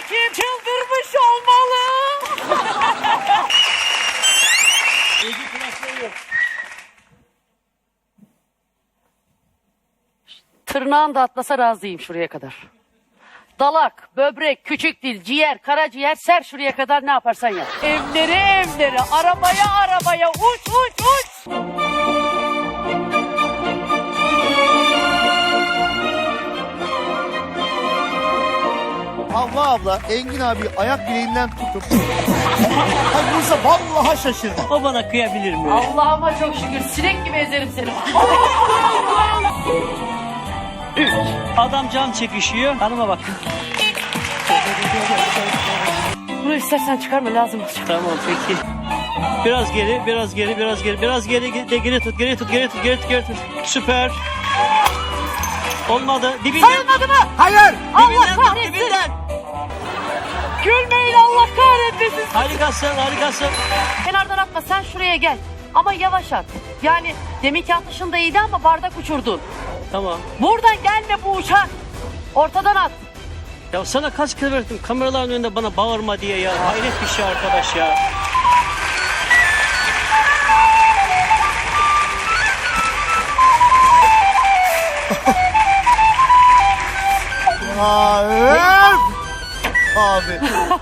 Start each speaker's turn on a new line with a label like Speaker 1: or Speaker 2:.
Speaker 1: Kim çıldırmış olmalı? Tırnağın da atlasa razıyım şuraya kadar. Dalak, böbrek, küçük dil, ciğer, karaciğer ser şuraya kadar ne yaparsan yap. Evlere, arabaya uç.
Speaker 2: Havva abla Engin abi ayak bileğinden tutup Ay Musa vallahi şaşırdım.
Speaker 3: O bana kıyabilir mi?
Speaker 1: Allah'ıma çok şükür sinek gibi ezerim seni.
Speaker 3: Adam cam çekişiyor. Hanıma bak.
Speaker 1: Bunu istersen çıkarma lazım olacak.
Speaker 3: Tamam peki. Biraz geri. Biraz geri tut. Süper. Olmadı. Dibinden.
Speaker 1: Sayılmadı mı?
Speaker 2: Hayır.
Speaker 1: Allah
Speaker 3: Dibinden tut,
Speaker 1: kahretsin.
Speaker 3: dibinden.
Speaker 1: Gülmeyin Allah kahretmesin.
Speaker 3: Harikasın.
Speaker 1: Kenardan atma sen şuraya gel. Ama yavaş at. Yani deminki atışın da iyiydi ama bardak uçurdun.
Speaker 3: Tamam.
Speaker 1: Buradan gelme bu uçak. Ortadan at.
Speaker 3: Ya sana kaç kere verdim kameraların önünde bana bağırma diye ya. Hayret bir şey arkadaş ya.
Speaker 2: Hayır. Abi.